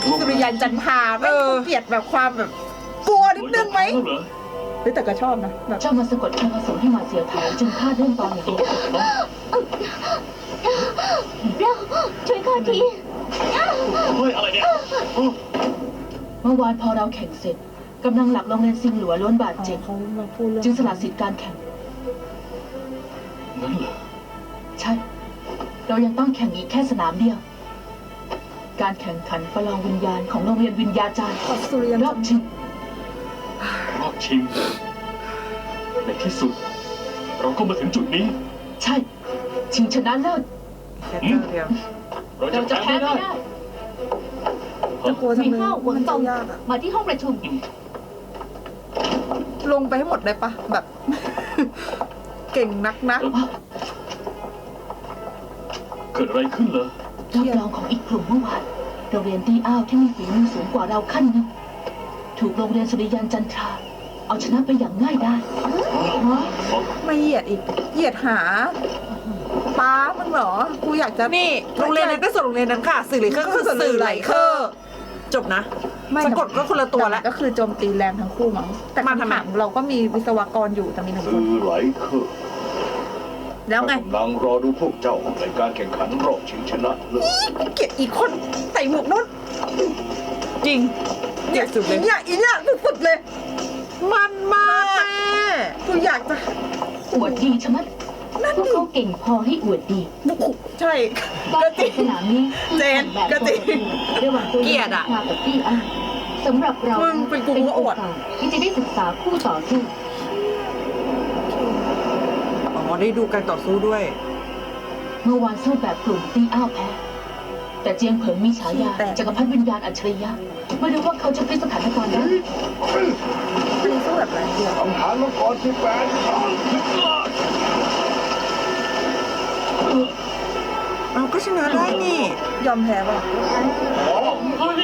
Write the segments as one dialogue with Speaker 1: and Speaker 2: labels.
Speaker 1: สุริยันจันทราไม่เกลียดแบบความแบบกลัวนิดนึงไหมแต่ก็ชอบนะแบบ
Speaker 2: เจ้ามาสะกดพลังอสูรให้มาเสียเผาจึงพลาดเรื่องตอนนี้เราช่วยข้าที
Speaker 3: เฮ้ยอะไรเนี่ย
Speaker 2: เมื่อวานพอเราแข่งเสร็จกำลังหลักโรงเรียนซิงหลัวล้วนบาดเจ็บ
Speaker 1: เขามาพูดเรื่อง
Speaker 2: จึงสละสิทธิ์การแข่ง
Speaker 3: งั้นเหรอ
Speaker 2: ใช่ เรายังต้องแข่งอีกแค่สนามเดียว การแข่งขันประลองวิญญาณของโรงเรียนวิญญาจารย์
Speaker 1: สุริยัน
Speaker 2: รอบชิง
Speaker 3: รอบชิงในที่สุด เราก็มาถึงจุดนี้
Speaker 2: ใช่ ชิงชนะเลิศ
Speaker 4: แค่เจ้าเดียว
Speaker 2: เราจะแพ้ไม่ได้
Speaker 1: จะกลัวทำไม
Speaker 5: เข้าหวั
Speaker 1: มั
Speaker 5: ง
Speaker 1: น
Speaker 5: ต
Speaker 1: จะ
Speaker 5: รง
Speaker 1: ยากอะ
Speaker 5: มาที่ห้องประชุม
Speaker 1: ลงไปให้หมดได้ปะแบบ เก่งนักนะ
Speaker 3: เกิดอะไรขึ้นเหรอ
Speaker 2: รอบรองของอีกกลุ่มเมื่อวานโรงเรียนตีอ้าวที่มีฝีมือสูงกว่าเราขั้นหนึงถูกโรงเรียนสุริยันจันทรา เอาชนะไปอย่างง่ายดาย
Speaker 1: ไม่เหยียดอีก เหยียดหาป้ามึงเหรอ กูอยากจะ
Speaker 4: นี่โรงเรียนนั้นก็ส่วนโรงเรียนนั้นค่ะ สื่อไหลเคอร์ก็คือสื่อไหลเคอร์จบนะ
Speaker 1: ไม่
Speaker 4: สะกดก็คนละตัวแล้ว
Speaker 1: ก็คือโจมตีแรงทั้งคู่มั้งแต่
Speaker 4: มาทำไม
Speaker 1: คำถามเราก็มีวิศวกรอยู่แต่มีหนึ่งค
Speaker 6: สื่
Speaker 1: น
Speaker 6: อไหลเคอร์
Speaker 1: แล้วไง
Speaker 6: กำลังรอดูพวกเจ้าในการแข่งขันรอบชิงชนะเลิศ
Speaker 1: เกลียดอีกคนใส่หมวกนุ่น
Speaker 4: จริงเจ็บสุดเลย
Speaker 1: อีเนี่ยสุดๆเลย
Speaker 4: มันมากแม่
Speaker 1: กูอยากจะ
Speaker 2: อวดดีชะมัด
Speaker 1: นั่น
Speaker 2: พวก
Speaker 1: ดิ
Speaker 2: เขาเก่งพอให้อวดดี
Speaker 1: บุกใช่
Speaker 2: การแข่งสนามนี้
Speaker 1: เจนก็จริง
Speaker 2: ระหว่างตัว
Speaker 4: เกลียดอะ
Speaker 2: กับตี้อ้าวสำหรับเรา
Speaker 1: มึงเป็นกูก็อวด
Speaker 2: โอกาสที่จะได้ศึกษาคู่ต่อสู้
Speaker 4: อ๋อได้ดูการต่อสู้ด้วย
Speaker 2: เมื่อวานสู้แบบกลุ่มตีอ้าวแพ้ แต่เจียงเผิงมีฉายา
Speaker 1: แต่
Speaker 2: จักรพรรดิวิญญาณอัจฉริยะไม่รู้ว่าเขาจะพลิกสถานการณ์ได้
Speaker 1: อันนี้สู้แบบไรเดียว
Speaker 6: คำถามมังกรที่แปดครั้ง
Speaker 4: เราก็ชนะได้นี่
Speaker 1: ยอมแพ้ป่ะ
Speaker 3: เฮ้ย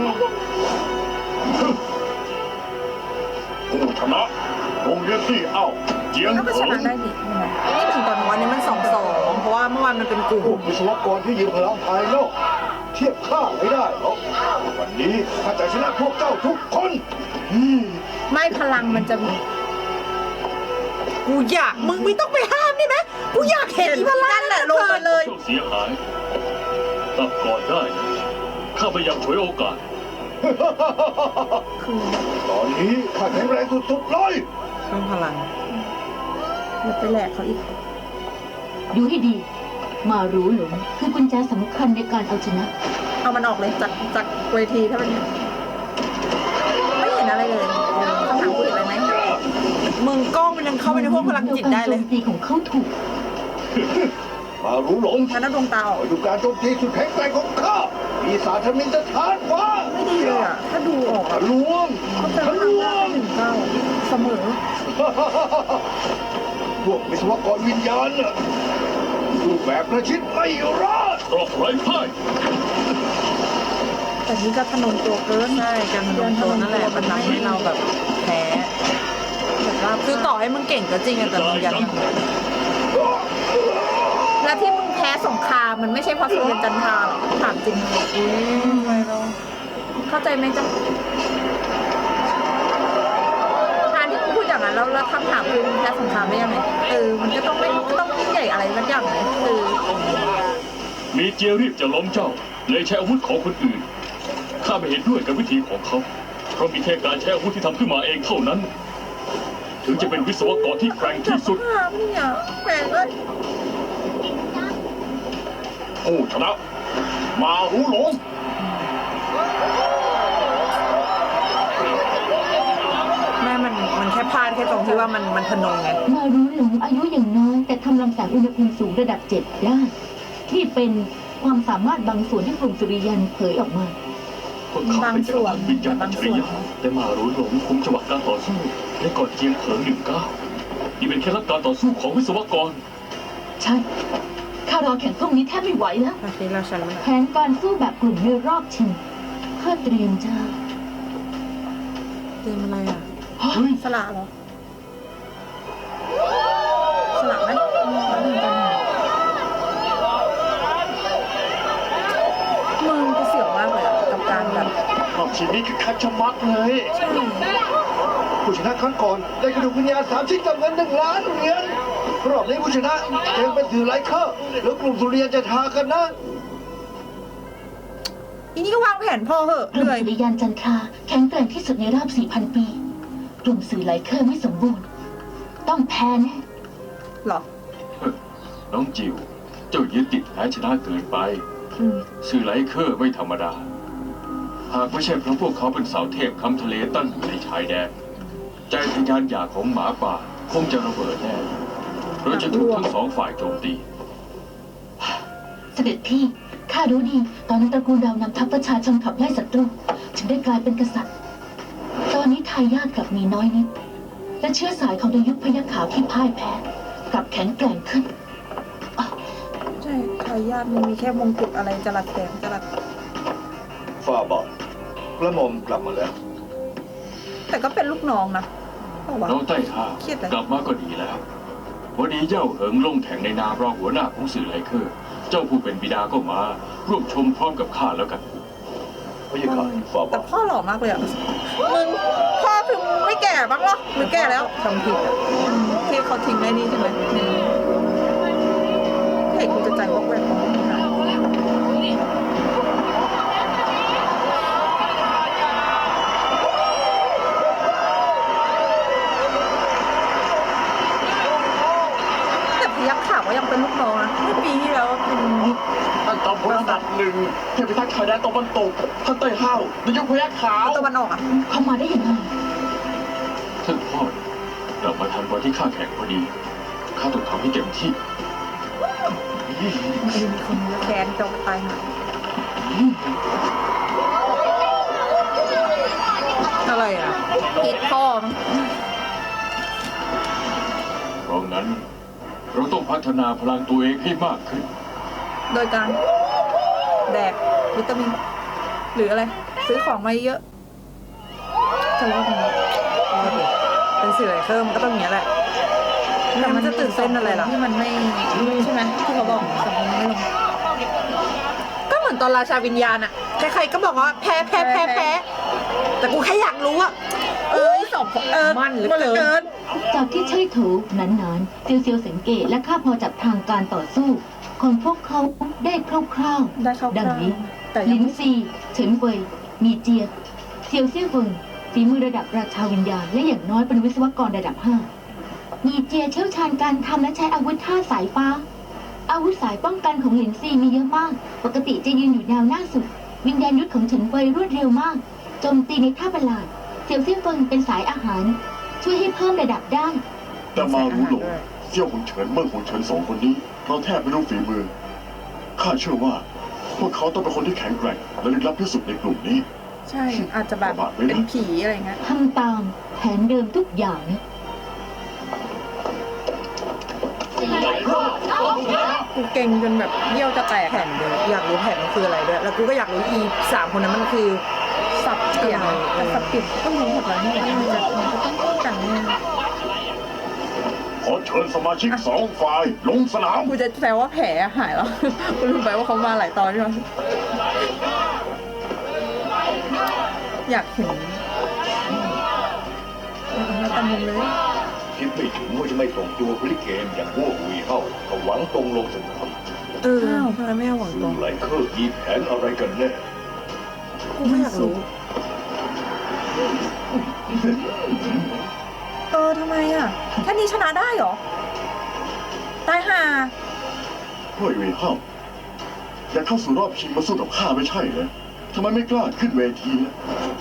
Speaker 6: ผู้ชนะโรงเรียนที่เอ้าเจียง
Speaker 1: แล้วก็ช
Speaker 6: เผิ
Speaker 1: นะ
Speaker 6: ง
Speaker 1: ได้ดิใช่ไหม
Speaker 4: นี่หนึ่งต่อหนึ่งวันนี้มัน2-2เพราะว่าเมื่อวานมันเป็นกลุ่ม
Speaker 6: พวกวิศวกรที่ยืนพลังภายนอกเทียบข้าไม่ได้หรอกวันนี้ข้าจะชนะพวกเจ้าทุกคนอืม
Speaker 1: ไม่พลังมันจะมี
Speaker 4: กูอยากมึงไม่ต้องไปห้ามนี่ไหมกูอยากเห็นอีพลา
Speaker 1: นั่นแหละลงมาเลย
Speaker 3: เจ้าเสียหายตับก่อนได้นะข้าพยายามฉวยโอกาส
Speaker 1: คือ
Speaker 6: ตอนนี้ข้าแข็งแรงสุดๆเลย
Speaker 4: เพิ่มพลัง
Speaker 1: อย่าไปแหลกเขาอีก
Speaker 2: ดูให้ดี มารู้หลงคือกุญแจสำคัญในการเอาชนะ
Speaker 1: เอามันออกเลยจากเวทีถ้าเป็นไม่เห็นอะไรเลยคำถามกูเห็นอะไรไหม
Speaker 4: มึงกล้องมันยังเข้าไปในพวกพลังจิตได้เลย
Speaker 2: การโจมตีของเขาถูก
Speaker 6: มารู้หลง
Speaker 1: ฉันน่าดวงตาออก
Speaker 6: มาดูการโจมตีสุดแข็งแกร่งของข้าปีศาจทมินจะทานฟ้า
Speaker 1: ไม่ดีเลยอ่ะ ถ้าดูออก
Speaker 6: ทะ
Speaker 1: อะ
Speaker 6: ลวง
Speaker 1: เขาจะ
Speaker 6: ทะล
Speaker 1: ทำ
Speaker 6: ว
Speaker 1: ได้
Speaker 6: ง
Speaker 1: ถึงเก้าเสมอ
Speaker 6: พวกวิศวกรวิญญาณน่ะรูปแบบประชิดไม่รอด
Speaker 3: รอบไร้พ่าย
Speaker 1: แต่นี่ก็ถนนตัวเกิน
Speaker 4: ใช่การพนมตัวนั่นแหละมันทำให้เราแบบแพ้
Speaker 1: แบบว่า
Speaker 4: คือต่อให้มึงเก่งก็จริงอะแต่มึงยัง
Speaker 1: แล้วที่มึงแพ้สงครามมันไม่ใช่เพราะสุริยันจันทราหรอกถามจริง
Speaker 4: อุ้ยทำไมเรา
Speaker 1: เข้าใจไหมจ๊ะการที่มึงพูดอย่างนั้นแล้วคำถามคือมึงแพ้สงครามได้ยังไงมันก็ต้องไม่ต้องยิ่งใหญ่อะไรสักอย่างเลยคือ
Speaker 3: มีเจียรีบจะล้มเจ้า เลยใช้อาวุธของคนอื่น ข้าไม่เห็นด้วยกับวิธีของเขา เพราะมีแค่การใช้อาวุธที่ทำขึ้นมาเองเท่านั้น ถึงจะเป็นวิศวกรที่แกร่งที่สุด
Speaker 1: ถามเนี่ยแปลกเลย
Speaker 6: ผู้ชนะ มารู้หลง
Speaker 4: แม่มันแค่พลาดแค่ตรงที่ว่ามันพนงไง
Speaker 2: มารู้หลงอายุอย่างน้อย แต่ทำลำแสงอุณหภูมิสูงระดับ 7 ได้ ที่เป็นความสามารถบางส่วนที่กลุ่มสุริยันเผยออกมา
Speaker 3: พวกเขาเป็นจักรพรรดิวิญญาณอัจฉริยะแต่มารู้หลงคุมจังหวะการต่อสู้และก่อนเจียงเผิง19นี่เป็นแค่รับการต่อสู้ของวิศวกร
Speaker 2: ใช่ ข้ารอแข่งพรุ่งนี้แทบไม่ไหวแล้ว
Speaker 4: อาทิตย์เราชนะ
Speaker 2: แผนการสู้แบบกลุ่มในรอบชิงข้าเตรียมจะ
Speaker 4: เตรียมอะไรอ่ะ
Speaker 1: สละเหรอ สละไหมแล้วหนึ่งกันมึงกูเสียวมากเลยอะกับการแบบ
Speaker 6: ชีวิตคือคัดชะมักเลย ผู้ชนะครั้งก่อนได้กระดูกวิญญาณ3 ชิ้นกับเงิน1 ล้านเหรียญรอบนี้ผู้ชนะจะเป็นสื่อไลเคอร์แล้วกลุ่มสุริยันจะทากันนะ
Speaker 1: อีนี่ก็วางแผนพอเหอะ
Speaker 2: ก
Speaker 1: เห
Speaker 2: ลุ่ม
Speaker 1: นื่อย
Speaker 2: สุริยันจันทราแข็งแกร่งที่สุดในรอบ 4,000 ปี กลุ่มสื่อไหลเคอร์ไม่สมบูรณ์ ต้องแพ้แน่
Speaker 1: เหรอ
Speaker 3: น้องจิว เจ้ายึดติดแพ้ชนะเกินไป
Speaker 1: อืม
Speaker 3: สื่อไลเคอร์ไม่ธรรมดา หากไม่ใช่เพราะพวกเขาเป็นเสาเทพค้ำทะเลตั้งอยู่ในชายแดน ใจทะยานอยากของหมาป่าคงจะระเบิดแน่เราจะถูกทั้ง2 ฝ่ายโจมตี
Speaker 2: เสด็จพี่ข้ารู้ดีตอนนั้นตระกูลเรานำทัพประชาชนขับไล่ศัตรูจึงได้กลายเป็นกษัตริย์ ตอนนี้ทายาทกลับมีน้อยนิด และเชื้อสายของดยุคพยัคฆ์ขาวที่พ่ายแพ้กลับแข็งแกร่งขึ้น
Speaker 1: ใช่ทายาทมันมีแค่มงกุฎอะไรจรัสแสงจรัส
Speaker 6: ฝ่าบาทกระหม่อมกลับมาแล้ว
Speaker 1: แต่ก็เป็นลูกน้องนะเปล่าวะ
Speaker 3: น้องใต้ท่า
Speaker 1: เครียดเลย
Speaker 3: กลับมาก็ดีแล้ว วันนี้เจ้าเหิงลงแข่งในนามรองหัวหน้าของสื่อไลเคอร์ เจ้าผู้เป็นบิดาก็มา ร่วมชมพร้อมกับข้าแล้วกัน
Speaker 6: พระยาค่ะฝ่า
Speaker 1: แต่
Speaker 6: บาท
Speaker 1: พ่อหล่อมากเลยอ่ะ มึงพ่อคือไม่แก่บ้างเหรอหรือแก่แล้วจำผิดอ่ะที่เขาทิ้งไว้นี่ใช่ไหมเฮ้ยกูจะใจวอกแวกของมึงนะแต่พยัคฆ์ขาวก็ยังเป็นลูกน้องนะเมื่อปีที่แล้วเป็น
Speaker 5: ท่านจอมพลอันดับ1เทพพิทักษ์ชายแดนตะวันตกท่านเต้ยห้าวในยุคพยัคฆ์ขาว
Speaker 1: ตะวันออกอ่ะ
Speaker 2: เข้ามาได้ยังไง
Speaker 3: ท่านพ่อกลับมาทันวันที่ข้าแข่งพอดี ข้าต้องทำให้เต็มที่
Speaker 1: มีคนแค้นจะตายหาอะไรอ่ะกิดพ่อมั้ง
Speaker 3: เพราะงั้น เราต้องพัฒนาพลังตัวเองให้มากขึ้น
Speaker 1: โดยการแดกวิตามิน หรืออะไร ซื้อของมาเยอะจะรอดไหมรอดดิเป็นสื่ออะไรเพิ่มนก็ต้องอย่างนี้ยแหละแต่มันจะตื่นเต้นอะไรล่ะที่มันไม่ใช่ไหมที่เขาบอกสองคนไม่ลง
Speaker 4: ก็เหมือนตอนราชาวิญญาณอะใครๆก็บอกว่าแพ้แต่กูแค่อยากรู้อะ
Speaker 1: สอง
Speaker 4: มันเหลือเกิน
Speaker 2: จากที่ใช่ถูหนานๆเซียวเซียวสังเกตและข้าพอจับทางการต่อสู้ของพวกเขาได้คร่าวๆ
Speaker 1: ได้เข้า
Speaker 2: ดังนี้
Speaker 1: แต่ยั
Speaker 2: ลิ
Speaker 1: ง
Speaker 2: น
Speaker 1: ไม่
Speaker 2: ซีเฉินเว่ยมีเจียเซียวเซี่ยเฟิงฝีมือระดับราชาวิญญาณและอย่างน้อยเป็นวิศวกรระดับ 5 มีเจียเชี่ยวชาญการทำและใช้อาวุธท่าสายฟ้า อาวุธสายป้องกันของลินซีมีเยอะมาก ปกติจะยืนอยู่แนวหน้าสุด วิญญาณยุทธของเฉินเว่ยรวดเร็วมากโจมตีในท่าประหลาดเซียวเซี่ยเฟิงเป็นสายอาหาร ช่วยให้เพิ่มระดับได้
Speaker 5: แต่มารู้หลงเซี่ยวหงเฉินเมื่อหงเฉิน2 คนนี้เราแทบไม่รู้ฝีมือข้าเชื่อว่า พวกเขาต้องเป็นคนที่แข็งแกร่งและลึกลับที่สุดในกลุ่มนี้
Speaker 1: ใช่อาจจะแบบเป็นผีอะไรเงี้ย
Speaker 2: ทำตามแผนเดิมทุกอย่างนะ
Speaker 1: กูเก่งจนแบบเยี่ยวจะแตก
Speaker 4: แผ่นเดียวอยากรู้แผ่นมันคืออะไรด้วย แล้วกูก็อยากรู้อี3 คนนั้นมันคือ
Speaker 1: สับเปลี่ยนแต่สับเปลี่ยนก็รู้หมดแล้วนี่มันจะต้องป้องกันแน่
Speaker 5: ขอเชิญสมาชิก2 ฝ่ายลงสนาม
Speaker 1: กูจะแปลว่าแผลหายแล้ว กูลืมไปว่าเขามาหลายตอนใช่ไหมอยากเห็นมาตามมุมเลย
Speaker 6: คิดไม่ถึงว่าจะไม่ส่งตัวพลิเกมอย่างวัวหุยเข้าก็หวังตรงลงสนาม
Speaker 4: อ้าวทำไมไม่เอาหวังต
Speaker 6: ซึ่
Speaker 4: รง ง
Speaker 6: ไลเคอร์มีแผนอะไรกันแน่
Speaker 4: กูไม่อยากรู้
Speaker 1: ทำไมอ่ะแค่นี้ชนะได้เหรอ ตายห่า
Speaker 5: เฮ้ยเว่ยห้าวอยากเข้าสู่รอบชิงมาสู้กับข้าไม่ใช่เหรอทำไมไม่กล้าขึ้นเวทีนะ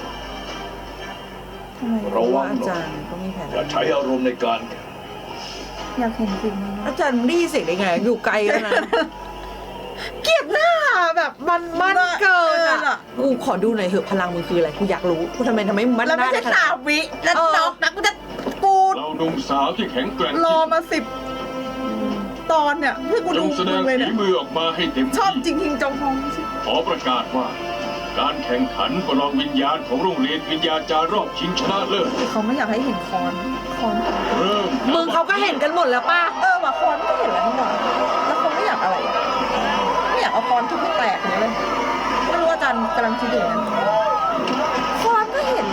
Speaker 1: ทำไม
Speaker 6: ระวัง
Speaker 4: อา
Speaker 6: หน่อ
Speaker 4: จาย รย์ก็มีแผน
Speaker 6: อย่าใช้อารมณ์ในการแข่ง
Speaker 1: อยากเห็นจริงมั้ย
Speaker 4: อาจารย์มึงได้ยินเสียงได้ไงอยู่ไกลกันนะ เกลียดหน้าแบบมันเกินอ่ะกูขอดูหน่อยเถอะพลังมึงคืออะไรกูอยากรู้กูทำไมมัน
Speaker 1: แล้วไม่
Speaker 4: ห
Speaker 1: ใช่
Speaker 4: น้าด้ขนด
Speaker 1: 3 วิแล้วนอกนะกูจะปู
Speaker 3: เราหนุ่มสาวที่แข็งแกร่ง
Speaker 1: รอ
Speaker 3: ที่สุด
Speaker 1: มา10 ตอนเนี่ยเพื่อกู
Speaker 3: จ
Speaker 1: ดู
Speaker 3: งแสดง
Speaker 1: เลย
Speaker 3: ฝี
Speaker 1: เนี่ย
Speaker 3: มือออกมาให้เต็ม
Speaker 1: ชอบจ
Speaker 3: ที่
Speaker 1: ริงๆจงฮองใช่
Speaker 3: ขอประกาศว่า การแข่งขันประลองวิญญาณของโรงเรียนวิญญาจารย์รอบชิงชนะเลิศ
Speaker 1: เขาไม่อยากให้เห็นคอน
Speaker 3: เริ่ม
Speaker 4: มึงเขาก็เห็นกันหมดแล้วป่ะ
Speaker 1: ว่ะคอนก็เห็นแล้วนี่หว่าแล้วเขาไม่อยากอะไรอะไม่อยากเอาคอนทุบให้แตกเลยไม่รู้ว่าอาจารย์กำลังคิดอยู่นะ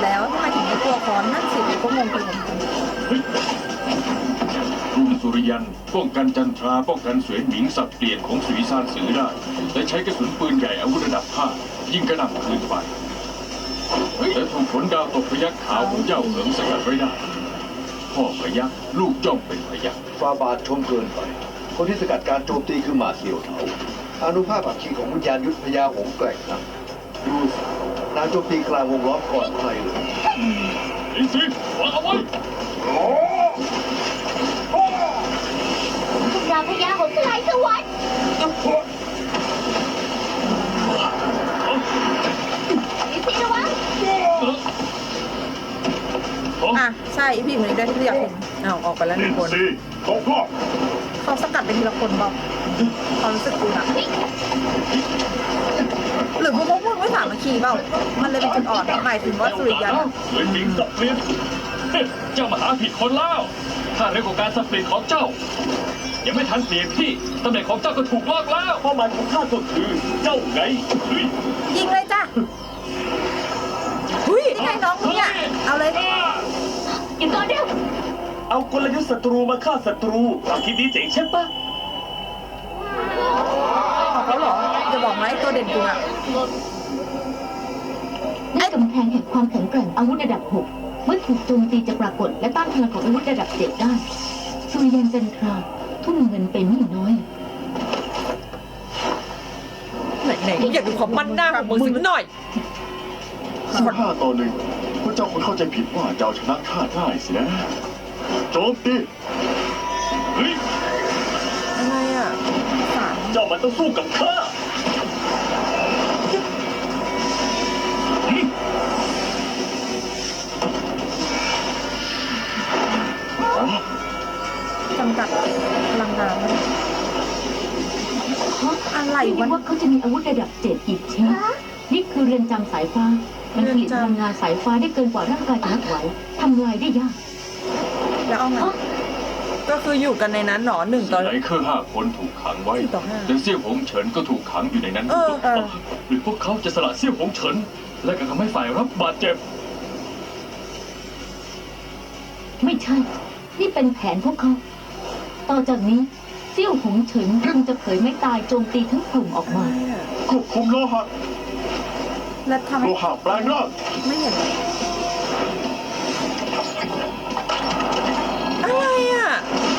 Speaker 1: แล้วทำไมถึงไม่กลัวค้อนนั่นสิผมก็งงไปเหมือนกัน
Speaker 3: กรุงสุริยันป้องกันจันทราป้องกันเสวียนหมิงสับเปลี่ยนของสุริซานสือได้และใช้กระสุนปืนใหญ่อาวุธระดับ5ยิงกระหน่ำคืนไปแต่ถูกผลดาวตกพยัคฆ์ขาวของเจ้าเหิงสกัดไว้ได้พ่อพยัคฆ์ลูกจ้องเป็นพยัคฆ์
Speaker 6: ฟาบาทชมเกินไป คนที่สกัดการโจมตีคือหมาเสี่ยวเถาอานุภาพอัคคีของวิญญาณยุทธพญาหงส์แกร่งนะดูสินางโจมตีกลางวงล้อมก่อนใครเลย
Speaker 3: ลิงซีวางเอาไว้
Speaker 2: พวกเราพญาหงส์สลายสวรรค์ลิซี่ระวัง
Speaker 1: อ่ะใช่พี่คนนี้ได้ที่อยากเห็น
Speaker 4: อ้าวออกไปแล้วหนึ่งคน
Speaker 5: สี่ตกรอบ
Speaker 1: เขาสกัดเป็นทีละคนบอกความรู้สึกกูนะหรือพวกมึงไม่สามัคคีเปล่ามันเลยเป็นจุดอ่อนหมายถึงว่าสุริยันอะ
Speaker 3: เสวียนหมิงสับเปลี่ยนเจ้ามาหาผิดคนแล้วถ้าเร็วกว่าการสับเปลี่ยนของเจ้ายังไม่ทันเปลี่ยนที่ตำแหน่งของเจ้าก็ถูกลอกแล้วเป้าหมายของข้าก็คือเจ้าไง
Speaker 1: ยิงเลยจ้ะ
Speaker 4: เฮ้ย
Speaker 1: นี่ไงน้องมึงเนี่ยเอาเลย
Speaker 2: หยุดก่อนเร็ว
Speaker 3: เอากลยุทธ์ศัตรูมาฆ่าศัตรูความคิดนี้เจ๋งใช่ปะ
Speaker 1: ออกแล้วเหรอจะบอกไหมตัวเด่นกูอะ
Speaker 2: ไอ้กำแพงแห่งความแข็งแกร่งอาวุธระดับ 6 เมื่อถูกโจมตีจะปรากฏและต้านพลังของอาวุธระดับ 7 ได้สุริยันจันทราทุ่มเงินไปไม่น้อย
Speaker 4: ไหนๆอยากดูความมั่นหน้าของมึงสักหน่อย
Speaker 5: 15-1พวกเจ้าคงเข้าใจผิดว่าเจ้าชนะข้าได้สินะโจมตี
Speaker 3: เฮ้ย
Speaker 4: อะไรอ่ะ
Speaker 1: สาร
Speaker 3: เจ้ามันต้องสู้กับข้า
Speaker 1: จำกัดพลังงานไหมอะไร
Speaker 2: ไม่
Speaker 1: วะ
Speaker 2: รู้ว่าเขาจะมีอาวุธระดับ 7 อีกชิ้นนี่คือเรือนจำสายฟ้า มันผลิตพลังงานสายฟ้าได้เกินกว่าร่างกายจะรับไหวทำลายได้ยาก
Speaker 1: แล้วเอาไง
Speaker 4: ก็คืออยู่กันในนั้นหนอหนึ่งต่อ
Speaker 3: ไหนเครือ5 คนถูกขังไว้
Speaker 4: 4 ต่อ 5
Speaker 3: แต่เสี่ยวหงเฉินก็ถูกขังอยู่ในนั้น
Speaker 4: เออ
Speaker 3: หรือพวกเขาจะสละเสี่ยวหงเฉิน และก็ทำให้ฝ่ายรับบาดเจ็บ
Speaker 2: ไม่ใช่ นี่เป็นแผนพวกเขา ต่อจากนี้เซี่ยวหงเฉินคงจะเผยไม่ตายโจมตีทั้งกลุ่มออกมา
Speaker 5: ควบคุมโลหะ
Speaker 1: แล้วทำ
Speaker 5: โล
Speaker 1: ให้
Speaker 5: หะแปลงร่าง
Speaker 1: ไม่เห็น
Speaker 4: อะไรอ่ะ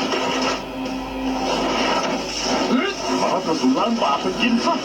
Speaker 5: มหากระสุนล้างบาปเป็นกินซะ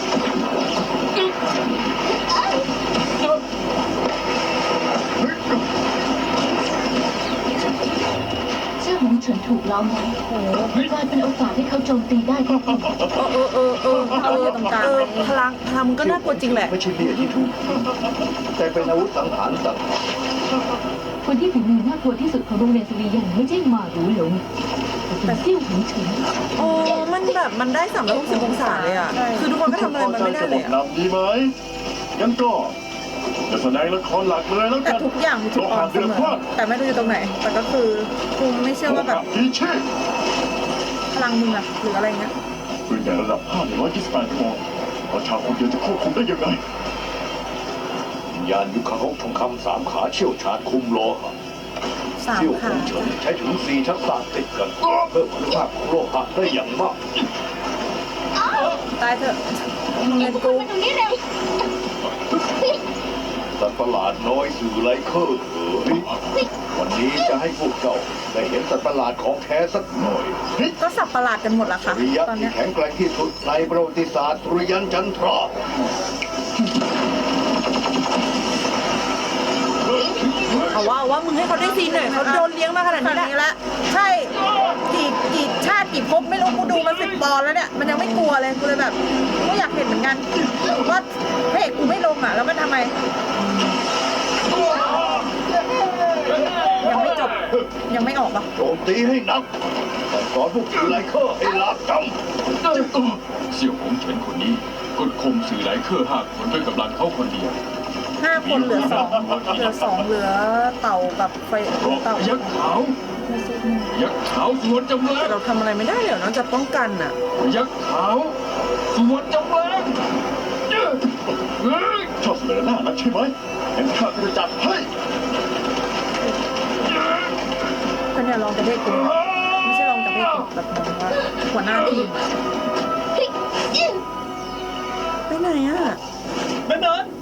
Speaker 2: เซี่ยวหงเฉินถูกล้อมไว้กลายเป็นโอกาสให้เขาโจมตีได้ก็จริง
Speaker 1: ตรงกลาง
Speaker 4: พลังมึงก็น่ากลัวจริงแหละ
Speaker 6: ไม่ใช่เบี้ยที่ถูกแต่เป็นอาวุธสังหารสัตว์
Speaker 2: คนที่ฝีมือน่ากลัวที่สุดของโรงเรียนสุริยันไม่ใช่หมาหรูหลงแต่เซี่ยวหงเฉิน
Speaker 4: โอ้มันแบบมันได้360 องศาเลยอ่ะ คือทุกคนก็ทำอะไรมันไม่ได้
Speaker 5: จะ
Speaker 4: เล
Speaker 5: บ
Speaker 4: ย
Speaker 5: ท
Speaker 4: อ่ะ
Speaker 5: นำดีไหมงั้นก็จะแสดงละครหลักเลยแล้ว
Speaker 1: แต่
Speaker 5: กัน
Speaker 1: ทุกอย่างมีจุดอ่อนเสมอแต่ไม่รู้อยู่ตรงไหน แต่ก็คือกูไม่เชื่อว่าแบบ
Speaker 5: ดีเช่
Speaker 1: พลังมึงอะหรืออะไรเงี้ย
Speaker 5: ปืนใหญ่ระดับ5 ใน128ชั่วโมงประชาคนเดียวจะควบคุมได้ยังไง
Speaker 6: วิญญาณยุคของทองคำ3 ขาเชี่ยวชาญคุมโลหะ
Speaker 1: สาม
Speaker 6: เซี่ยวห
Speaker 1: ขาง
Speaker 6: เฉินใช้ถึง4 ทักษะติดกัน เพิ่มคุณภาพของโลหะได้อย่างมาก
Speaker 1: ตายเถอะมึงเงินกู
Speaker 2: มาตรงนี้เร็ว
Speaker 6: สัตว์ประหลาดน้อยสื่อไลเคอร์เอ๋ยวันนี้จะให้พวกเจ้าได้เห็นสัตว์ประหลาดของแท้สักหน่อย
Speaker 1: ก็สับประหลาดกันหมดละ
Speaker 6: สุ
Speaker 1: ค่ะ
Speaker 6: ริยะ
Speaker 1: ตอน
Speaker 6: ที่
Speaker 1: เนี้ย
Speaker 6: แข็งแกร่งที่สุดในประวัติศาสตร์สุริยันจันทรา
Speaker 4: เอาว่ามึงให้เขาได้ซีนหน่อยเขาโดนเลี้ยงมาขนาด
Speaker 1: ข
Speaker 4: นี้
Speaker 1: นาด
Speaker 4: แล้ว
Speaker 1: นี้ละใช่กี่ชาติกี่ภพไม่รู้กูดูมา10 ตอนแล้วเนี่ยมันยังไม่กลัวเลยกูเลยแบบก็อยากเห็นเหมือนกันว่าพระเอกกูไม่ลงอ่ะแล้วมันทำไม ยังไม่จบยังไม่ออกปะ
Speaker 6: โจมตีให้หนักแต่สอนพวกสื่อไลเคอร์ให้ลาบจ
Speaker 3: เสี่ยวหงเฉินคนนี้กดข่มสื่อหลายเครือ5 คนด้วยกำลังเขาคนเดียว
Speaker 1: 5 คนเหลือ 2เหลือ 2เหลือเต่ากับไฟ
Speaker 3: เพราะ
Speaker 1: เต่า
Speaker 3: ยักษ์ขาวยักษ์ขาวสวนจำแรง
Speaker 4: แต่เราทำอะไรไม่ได้เลยนอกจากป้องกันอ่ะ
Speaker 3: ยักษ์ขาวสวนจำแรงเฮ้ย
Speaker 5: ชอบเสนอหน้านักใช่ไหมงั้นข้าก็จะจัดให้
Speaker 1: เนี่ยรองประเภทกูไม่ใช่รองประเภทกูแบบหมายถึงว่าหัวหน้าทีมอะ
Speaker 4: ไปไหนอ่ะ
Speaker 3: แม่นาน